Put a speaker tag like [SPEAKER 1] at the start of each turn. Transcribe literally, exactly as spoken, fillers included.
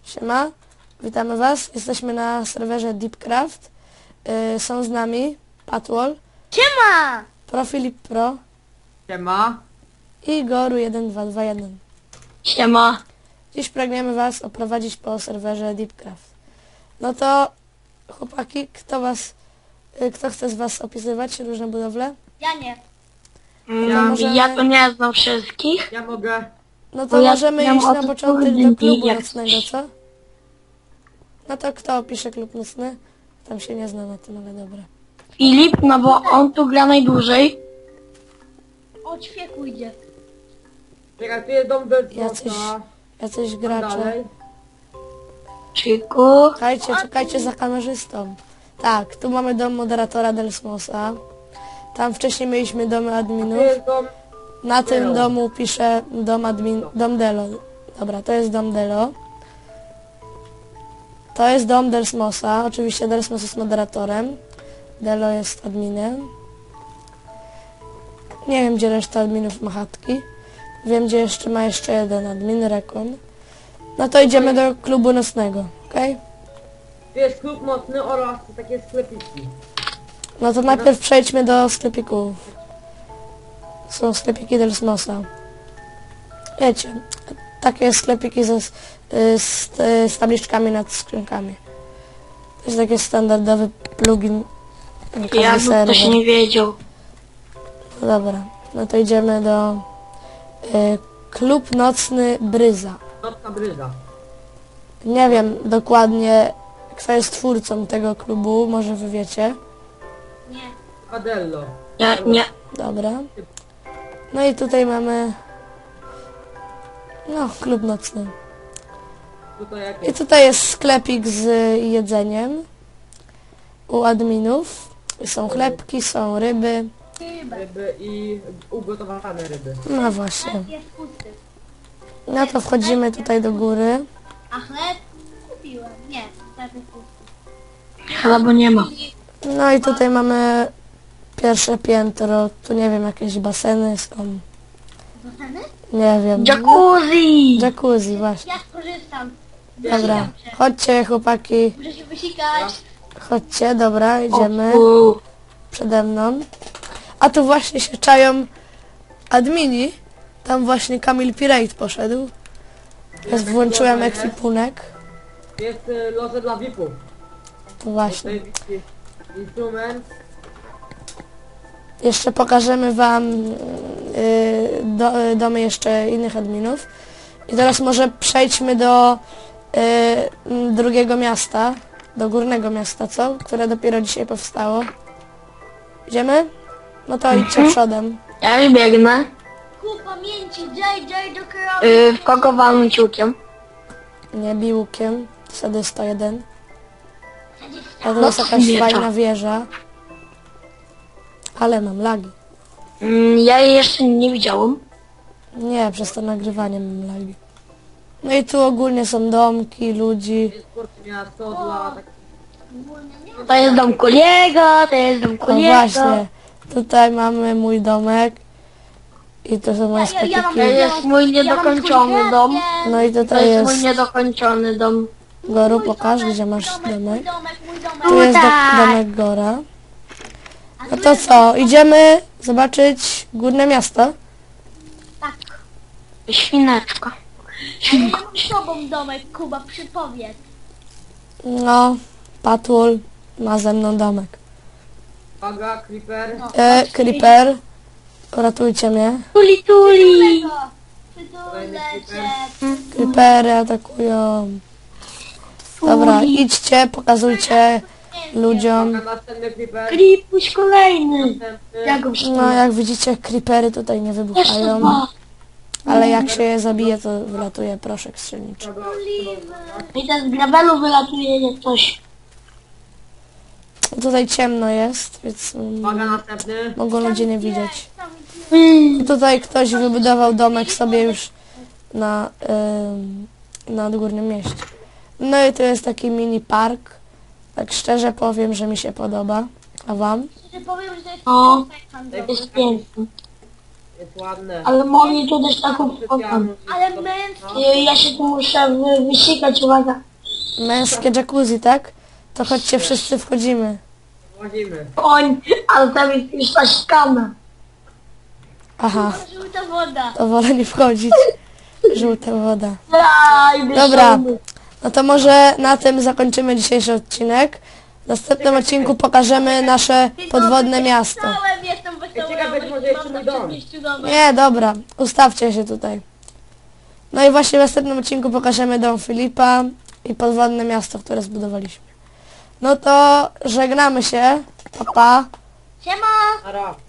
[SPEAKER 1] Siema, witamy was. Jesteśmy na serwerze Deepcraft. Yy, są z nami Patwall,
[SPEAKER 2] Siema!
[SPEAKER 1] Profilip Pro
[SPEAKER 3] Siema.
[SPEAKER 1] i Goru jeden dwa dwa jeden.
[SPEAKER 2] Siema!
[SPEAKER 1] Dziś pragniemy was oprowadzić po serwerze Deepcraft. No to chłopaki, kto was, yy, kto chce z was opisywać różne budowle?
[SPEAKER 2] Ja nie.
[SPEAKER 1] Ja, możemy...
[SPEAKER 4] Ja to nie znam wszystkich.
[SPEAKER 3] Ja mogę.
[SPEAKER 1] No to
[SPEAKER 4] Bo ja
[SPEAKER 1] możemy
[SPEAKER 4] znam
[SPEAKER 1] iść
[SPEAKER 4] o
[SPEAKER 1] na
[SPEAKER 4] to
[SPEAKER 1] początek do
[SPEAKER 4] trudniej,
[SPEAKER 1] klubu
[SPEAKER 4] jak
[SPEAKER 1] nocnego,
[SPEAKER 4] coś.
[SPEAKER 1] co? No to kto opisze klub nocny? Tam się nie zna na tym, ale dobra.
[SPEAKER 4] Filip, no bo on tu gra najdłużej.
[SPEAKER 2] O, ćwieku idzie.
[SPEAKER 3] Czekaj, tu jest dom
[SPEAKER 1] Jacyś,
[SPEAKER 3] Deltona.
[SPEAKER 1] jacyś gracze.
[SPEAKER 3] Dalej.
[SPEAKER 4] Czyku.
[SPEAKER 1] Czekajcie, czekajcie za kamerzystą. Tak, tu mamy dom moderatora Delsmosa. Tam wcześniej mieliśmy domy
[SPEAKER 3] Tu
[SPEAKER 1] adminów.
[SPEAKER 3] jest dom.
[SPEAKER 1] Na tym
[SPEAKER 3] Delo.
[SPEAKER 1] domu piszę dom admin, dom Delo. Dobra, to jest dom Delo. To jest dom Delsmosa. Oczywiście Delsmos jest moderatorem. Delo jest adminem. Nie wiem, gdzie reszta adminów ma chatki. Wiem, gdzie jeszcze ma jeszcze jeden admin, Rekon. No to idziemy do klubu nocnego, okej?
[SPEAKER 3] Tu jest klub nocny oraz takie sklepiki.
[SPEAKER 1] No to najpierw przejdźmy do sklepików. Są sklepiki Delsmosa. Wiecie, takie sklepiki ze, z, z, z tabliczkami nad skrzynkami. To jest taki standardowy plugin. na każdy
[SPEAKER 4] Ja bym
[SPEAKER 1] serwer.
[SPEAKER 4] też nie wiedział.
[SPEAKER 1] No dobra, no to idziemy do y, klub nocny Bryza.
[SPEAKER 3] Nocna bryza.
[SPEAKER 1] Nie wiem dokładnie, kto jest twórcą tego klubu, może wy wiecie.
[SPEAKER 2] Nie.
[SPEAKER 3] Adello.
[SPEAKER 4] Ja nie.
[SPEAKER 1] Dobra. No i tutaj mamy... No, klub nocny.
[SPEAKER 3] Tutaj jak
[SPEAKER 1] I
[SPEAKER 3] jest.
[SPEAKER 1] tutaj jest sklepik z jedzeniem u adminów. Są chlebki, są ryby.
[SPEAKER 2] Chyba.
[SPEAKER 3] Ryby i ugotowane ryby.
[SPEAKER 1] No właśnie.
[SPEAKER 2] Chleb jest pusty.
[SPEAKER 1] No to wchodzimy tutaj do góry.
[SPEAKER 2] A chleb kupiłem. Nie, chleb jest pusty.
[SPEAKER 4] Chyba bo nie ma.
[SPEAKER 1] No i tutaj mamy pierwsze piętro. Tu nie wiem, jakieś baseny są.
[SPEAKER 2] Zostany?
[SPEAKER 1] Nie wiem.
[SPEAKER 4] Jacuzzi!
[SPEAKER 1] Jacuzzi, właśnie.
[SPEAKER 2] Ja skorzystam.
[SPEAKER 1] Dobra.
[SPEAKER 2] Wysikam się.
[SPEAKER 1] Chodźcie, chłopaki.
[SPEAKER 2] Muszę się wysikać.
[SPEAKER 1] Chodźcie, dobra, idziemy.
[SPEAKER 4] U,
[SPEAKER 1] Przede mną. A tu właśnie się czają admini. Tam właśnie Kamil Pirate poszedł. Teraz włączyłem ekwipunek.
[SPEAKER 3] Jest y, loże dla V I P-ów.
[SPEAKER 1] To właśnie.
[SPEAKER 3] Tutaj jest instrument.
[SPEAKER 1] Jeszcze pokażemy wam yy, do, y, domy jeszcze innych adminów. I teraz może przejdźmy do y, drugiego miasta. Do górnego miasta, co? Które dopiero dzisiaj powstało. Idziemy? No to idźcie przodem.
[SPEAKER 4] ja już biegnę.
[SPEAKER 2] Ku pamięci J J do kierowcy.
[SPEAKER 4] Yy, w kogo walnąć ciukiem?
[SPEAKER 1] Nie biłukiem. Wtedy sto jeden. A to jest jakaś
[SPEAKER 4] miecza.
[SPEAKER 1] fajna wieża. Ale mam lagi.
[SPEAKER 4] Mm, ja jej jeszcze nie widziałem.
[SPEAKER 1] Nie, przez to nagrywanie mam lagi. No i tu ogólnie są domki, ludzi.
[SPEAKER 3] Jest port miasto dla tak.
[SPEAKER 4] To jest dom Kuliego, to jest dom
[SPEAKER 1] No
[SPEAKER 4] Kuliego.
[SPEAKER 1] właśnie. Tutaj mamy mój domek. I to są moje
[SPEAKER 2] Ja- ja- ja mam-
[SPEAKER 4] To
[SPEAKER 1] sklepiki.
[SPEAKER 4] jest mój niedokończony dom.
[SPEAKER 1] No i
[SPEAKER 4] To
[SPEAKER 1] tutaj
[SPEAKER 4] jest mój
[SPEAKER 1] jest...
[SPEAKER 4] niedokończony dom.
[SPEAKER 1] Goru, pokaż, gdzie masz
[SPEAKER 2] Mój
[SPEAKER 1] domek.
[SPEAKER 2] domek, mój domek.
[SPEAKER 1] Tu jest do,
[SPEAKER 4] Tutaj.
[SPEAKER 1] domek Gora.
[SPEAKER 2] A
[SPEAKER 1] No
[SPEAKER 2] tu
[SPEAKER 1] to
[SPEAKER 2] jest
[SPEAKER 1] co, idziemy zobaczyć górne miasto?
[SPEAKER 2] Tak.
[SPEAKER 4] Świneczka.
[SPEAKER 2] Ale ja mam z tobą domek, Kuba, przypowiedz.
[SPEAKER 1] No, Patwall ma ze mną domek.
[SPEAKER 3] Uwaga, creeper.
[SPEAKER 2] No.
[SPEAKER 1] E, Creeper, ratujcie mnie.
[SPEAKER 4] Tuli tuli.
[SPEAKER 2] Przytulę cię.
[SPEAKER 1] Creepery atakują. Dobra, idźcie, pokazujcie ludziom.
[SPEAKER 3] Uwaga, następny creeper.
[SPEAKER 4] Kripuś kolejny.
[SPEAKER 3] Następny.
[SPEAKER 4] Ja go
[SPEAKER 1] No,
[SPEAKER 4] przytulę.
[SPEAKER 1] jak widzicie, creepery tutaj nie
[SPEAKER 4] Jeszcze
[SPEAKER 1] wybuchają.
[SPEAKER 4] dwa.
[SPEAKER 1] Ale jak się je zabije, to wylatuje proszek strzelniczy.
[SPEAKER 3] Uwaga,
[SPEAKER 4] I ten z gravelu wylatuje jak coś.
[SPEAKER 1] Tutaj ciemno jest, więc
[SPEAKER 3] Uwaga,
[SPEAKER 1] mm,
[SPEAKER 3] następny.
[SPEAKER 1] mogą ludzie nie widzieć.
[SPEAKER 4] Mm.
[SPEAKER 1] Tutaj ktoś wybudował domek sobie już na, ym, na górnym mieście. No i to jest taki mini park. Tak szczerze powiem, że mi się podoba. A wam?
[SPEAKER 2] Że powiem, że to jest
[SPEAKER 4] O,
[SPEAKER 2] handlowy.
[SPEAKER 4] jest piękny.
[SPEAKER 3] Jest ładne.
[SPEAKER 4] Ale mogli tu dać taką fotkę.
[SPEAKER 3] Specjalną
[SPEAKER 2] Ale
[SPEAKER 3] wszystko.
[SPEAKER 2] męskie.
[SPEAKER 4] Ja się tu muszę wy- wysikać, uwaga.
[SPEAKER 1] Męskie jacuzzi, tak? To chodźcie, wszyscy wchodzimy.
[SPEAKER 3] Łazimy.
[SPEAKER 4] Koń, ale tam jest już nasikane.
[SPEAKER 1] Aha,
[SPEAKER 2] Żółta woda.
[SPEAKER 1] to wolę nie wchodzić. Żółta woda.
[SPEAKER 4] Aj,
[SPEAKER 1] Dobra, no to może na tym zakończymy dzisiejszy odcinek. W następnym odcinku pokażemy nasze podwodne miasto.
[SPEAKER 2] Całem jestem wesoły.
[SPEAKER 3] Ciekawe, czy może jeszcze mój dom.
[SPEAKER 1] Nie, dobra, ustawcie się tutaj. No i właśnie w następnym odcinku pokażemy dom Filipa i podwodne miasto, które zbudowaliśmy. No to żegnamy się. Pa, pa.
[SPEAKER 2] Siema.
[SPEAKER 3] Ara.